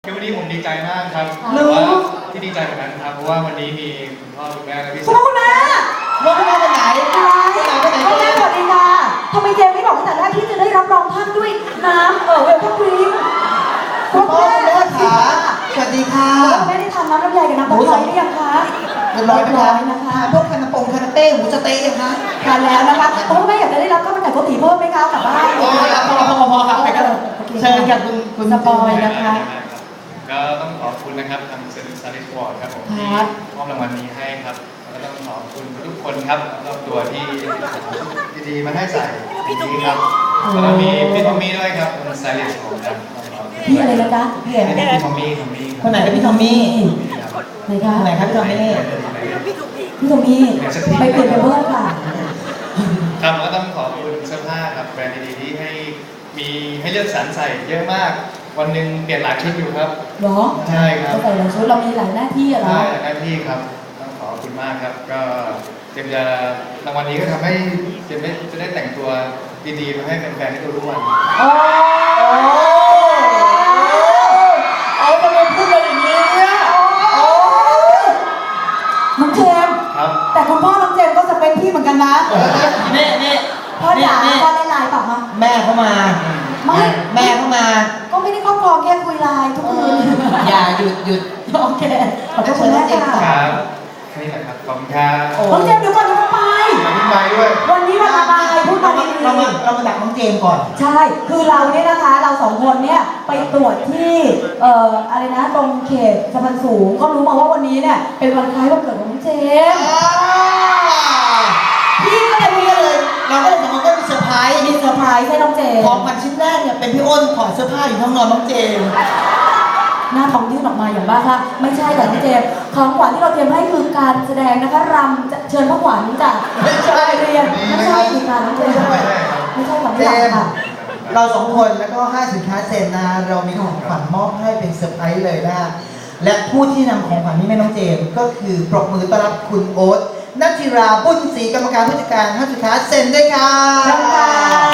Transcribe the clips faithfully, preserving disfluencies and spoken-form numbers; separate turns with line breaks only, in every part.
คือวันนี้ผมดีใจมากครับ
รู้
แต่ว่าที่ดีใจเหมือนกันครับเพราะว่าวันนี้มีคุณพ่อคุณแม่และพี่
คุ
สา
ณพ่อ
ว
คุณแม่
รถคุณแม่ไปไหน
อะไร
ไปไหนไปไหน
คุณแม่สวัสดีค่ะทำไมเจมไม่บอกตั้งแต่แรกที่จะได้รับรองท่านด้วยน้ำเออเวลคัมดริงก์
คุณพ่อคุณแม่ขาสวัสดีค่ะ
คุณแม่ได้ทานน้ำลำไยกับน้ำตะไคร้หรือยังคะ
เรียบร้อยไหมคะ
นะคะ
พวกคานาปงคานาเต้หมูสะเต๊ะยังคะ
ทานแล้วนะคะคุณพ่อแม่อยากจะได้รับข้าวมันไก่โกติเพิ่มไหมคะกลับบ้าน
โอ้ยพอพอพอครับไปกันเชิญกับคุณคุณ
สปอยนะคะ
ก็ต้องขอบคุณนะครับทางเซนต์ซาริสวอร์ดครับผม
ค
ที่
รับ
มอบรางวัลนี้ให้ครับแล้วก็ต้องขอบคุณทุกคนครับรอบตัวที่ดีๆมาให้ใส่ปีนี้ครับแล้วก็มีพี่ทอมมี่ด้วยครับคุณซาริสวอร์ดครับ
พี่อะไรนะจ๊ะพี่อะไร
พี่ทอมมี่ทอมมี่
คนไหนเป็นพี่ทอมมี่
ไหนคะ
คนไหนครับพี่ทอมมี่
พี่ทอมมี่ไปเปลี่ยนไปเพิ่มค่ะ
ครับแล้วก็ต้องขอบคุณเสื้อผ้าครับแบรนด์ดีๆที่ให้มีให้เลือกสรรใส่เยอะมาก วันหนึ่งเปลี่ยนหลายชุดอยู่ครับ
เหรอ
ใช่ครับ
เราใส่หลายชุดเรามีหลายหน้าที่อะเหรอ
ใช่หน้าที่ครับต้องขอบคุณมากครับ ก็เจมจะรางวัลนี้ก็ทำให้เจมได้จะได้แต่งตัวดีๆมาให้แฟนๆได้ดูทุกวัน
โอ้
เอาทำไมพูดอะไรอย่างนี้เนี่ยโอ้
น้องเจมส์
ครับ
แต่คุณพ่อน้องเจมส์ก็จะเป็นพี่เหมือนกันนะ
นี่นี่
พ่อจ๋า
นี่
พ่อได้ไลน์เปล่าคะ
แม่เข้ามา
ไม่
แม่เข้ามา
ก็ไม่ได้ครอบครองแค่คุยไลน์ทุกคืน
อย่าหยุดหยุด
โอเคขอบคุณแม่
ค
ค่ะ
รับแค่นี้แหละครับขอบคุณครับ
น้องเจมส์เดี๋ยวก่อนจะไป
มาพี่ไปด้วย
วันนี้วันอะไรพูดมาดี
เรามาเรามาดักน้องเจมส์ก่อน
ใช่ คือเราเนี่ยนะคะ เราสองคนเนี่ยไปตรวจที่เอ่ออะไรนะตรงเขตสะพานสูง ก็รู้มาว่าวันนี้เนี่ยเป็นวันคล้ายวันเกิดของน้องเจมส์ พี่ก็เลยมี
ก็เลยเราก็เลยสองคนก็มีเซอร์ไพรส์
มีเซอร์ไพรส์ให้น้องเจม
ของ
ส์
ขวัญชิ้นแรกเนี่ยเป็นพี่อ้นถอดเสื้อผ้าอยู่ห้องนอนน้องเจมส์
หน้าท้องยื่นออกมาอย่างบ้าค่ะไม่ใช่แต่น้องเจมส์ของขวัญที่เราเตรียมให้คือการแสดงนะคะรำจะเชิญพระขวัญจาก
ไม่ใช่
เรียนไม่ใช่ดีค่ะน้องเจมส์
ไม่ใช่ครับ
ไม่ใช่ขวัญ
เจ
ที่หลัง
มส์
ค่ะ
เราสองคนแล้วก็ห้าสินค้าเซนนะเรามีของขวัญมอบให้เป็นเซอร์ไพรส์เลยนะและผู้ที่นำของขวัญนี้ให้น้องเจมส์ก็คือปรบมือต้อนรับคุณโอ๊ตนัทธิราบุญศรีกรรมการผู้จัดการห้าสินค้าเซนด้วยค่ะ
เชิญค่ะ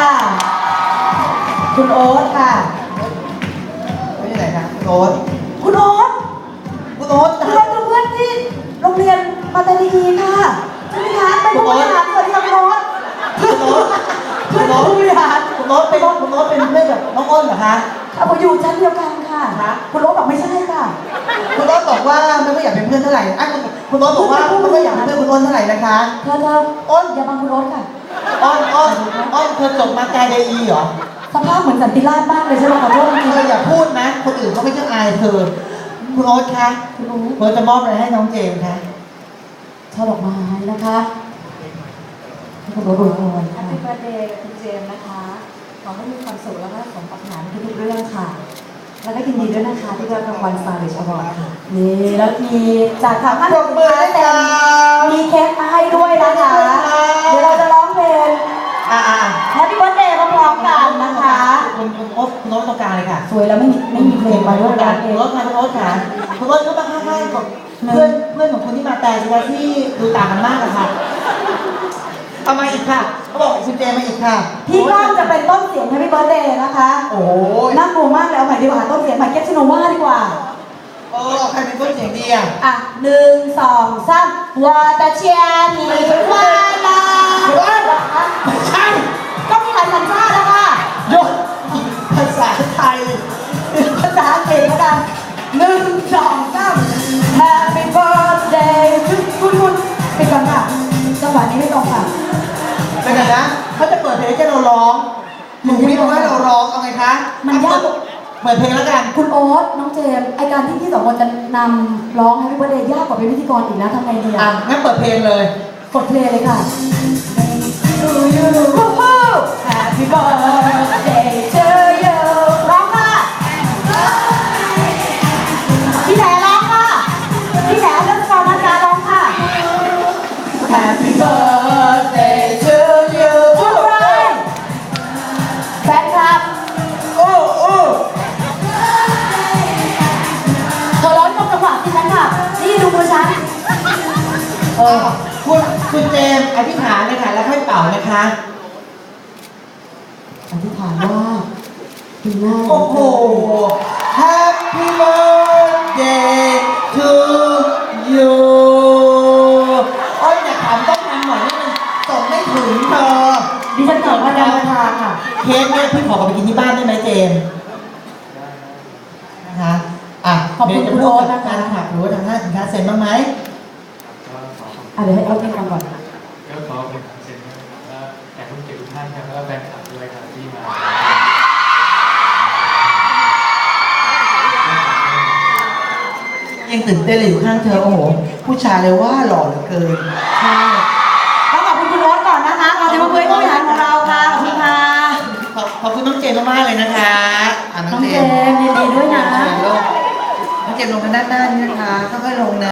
คุณโอ๊ตค่ะ
ไม่ใช่ไหนคะคุณโอ๊ต
คุณโอ๊ต
คุณโอ๊ต
เพื่อนเพื่อนที่โรงเรียนปัตตานีค่ะใช่ไหมคะเป็นผู้บริหารสวัสดีค่ะคุณโอ๊ต
คุณโอ๊ต
เพื่อนผู้บริหาร
คุณโอ๊ตเป็นคุณโอ๊ตเป็นเพื่อนกับน้องอ้นเหรอคะ
เอาผมอยู่ชั้นเดียวกันค่ะคุณโอ๊ตบอกไม่ใช่ค่ะ
คุณโอ๊ตบอกว่าไม่ค่อยอยากเป็นเพื่อนเท่าไหร่อ่ะคุณคุณโอ๊ตบอกว่าไม่ค่อยอยากเป็นเพื่อนคุณอ้นเท่าไหร่นะคะ
เธอเธออ้นอย่าบังคุณโอ๊ตค่ะ
อ้อนอ้อนอ้อนเธอจบมาไกลไดอีเหรอ
สภาพเหมือนสันติราษฎร์มากเลยใช่ไหมขอโทษจริง
เธออย่าพูดนะ คนอื่นเขาไม่จะอายเธอ คุณโอ๊ตคะ
ๆคุณโอ๊ต
เธอจะมอบอะไรให้น้องเจมส์คะ
ช่อดอกไม้นะคะให้คุณโอ๊ตอวยพร
แฮ
ค่ะ
ปปี้เบิร์ดเดย์คุณเจมส์นะคะ ขอให้มีความสุขแล้วก็สมปรารถนาในทุกๆเรื่องค่ะ แล้วก็ยินดีด้วยนะคะที่ได้รับรางวัลสตาร์ลิชอวอร์ดค่ะ
นี่แล้วมีจากทางท่าน
ปรบมือให้ค่ะ
มีเค้กมาให้ด้วยนะคะ เดี๋ยวเราจะร้องเพลง
อ่าอ่า
แฮปปี้เบิร์ดเดย์พร้อมๆกันนะคะ
คุณคุณโอ๊ตคุณโอ๊ตตรงกลางเลยค่ะ
สวยแล้วไม่มีไม่มีเพลงมาด้วย
กลา
นะ
ง
เอ
คุณ
ง
โอ๊ตค่ะคุณโอ๊ตค่ะคุณโอ๊ตก็มาข้างๆกับเพื่อนเพื่อนของคุณที่มาแต่สิคะที่ดูต่างกันมากอะค่ะเอามาอีกค่ะเขาบอกคุณเจมส์มาอีกค่ะ
พี่ก้องจะเป็นต้นเสียงแฮปปี้เบิร์ดเดย์นะคะ
โอ้ย
น่ากลัวมากเลยเอาใหม่ดีกว่าต้นเสียงใหม่เก็ตชิโนวาดีกว่า
เออใครเป็นต้นเสียงดีอ่ะ
อ่ะหนึ่งสองสามวาตาเชียนีวาลา
ไม่ใช่
ก็มีหลายสัญชาตินะคะ
ยศภาษาไทย
ภาษาอังกฤษแล้วกันหนึ่งสองสาม Happy birthday ทุกคุณคุณไปก่อนค่ะจังหวะนี้ไม่ตรงค่ะ
เดี๋ยวก่อนนะเขาจะเปิดเพลงให้เราร้องหนูพี่บอกให้เราร้องเอาไงคะ
มันยาก
เปิดเพลงแล้วกัน
คุณโอ๊ตน้องเจมส์ไอการที่พี่สองคนจะนำร้อง Happy birthday ยากกว่าเป็นพิธีกรอีกนะทำไงดี
อ่ะ
อ่ะ
งั้นเปิดเพลงเลย
กดเพลงเลยค่ะ To you Happy birthday to you ร้องค่ะพี่แหนร้องค่ะพี่แหนเรื่องกรนันดาร้องค่ะ Happy birthday to you ทุกคนแฟนคลับ
โอ้โอ้
เธอร้องตรงจังหวะที่ฉันค่ะ นี่ดูมือฉัน
เออคุณคุณเจมส์อธิษฐานเลยค่ะแล้วค่อยเป่านะคะ
อธิษฐานว่าปีหน้า
โอ้โห Happy birthday ขอกลับไปกินที่บ้านได้ไหมเจมส์นะคะอ่ะ
ขอบคุณคุณโอ๊ตนะคะ
การขับหรือว่าทางห้างสินค้าเซ็นบ้างไหม
ก็ขอขอบ
อ่ะเดี๋ยวให้เอาที่ฟังก่อน
ก็ขอขอบคุณทางเซ็นนะครับและแขกผู้เกียรติทุกท่านครับแล้วก็แฟนคลับด้วยครับที่มา
ยังตื่นเต้นเลยอยู่ข้างเธอโอ้โหผู้ชายเลยว่าหล่อเหลือเกิน
ใช่ต้องขอบคุณคุณโอ๊ตก่อนนะคะขอเสียงปรบมือให้ผู้บริหารของเราค่ะขอบคุณค่ะ
ขอบขอบคุณน้องเจมส์มากๆเลยนะคะะ
น้องเจมส์ยินดีด้วยนะ
น้องเจมส์ลงทางด้านหน้านี่นะคะค่อยๆลงนะ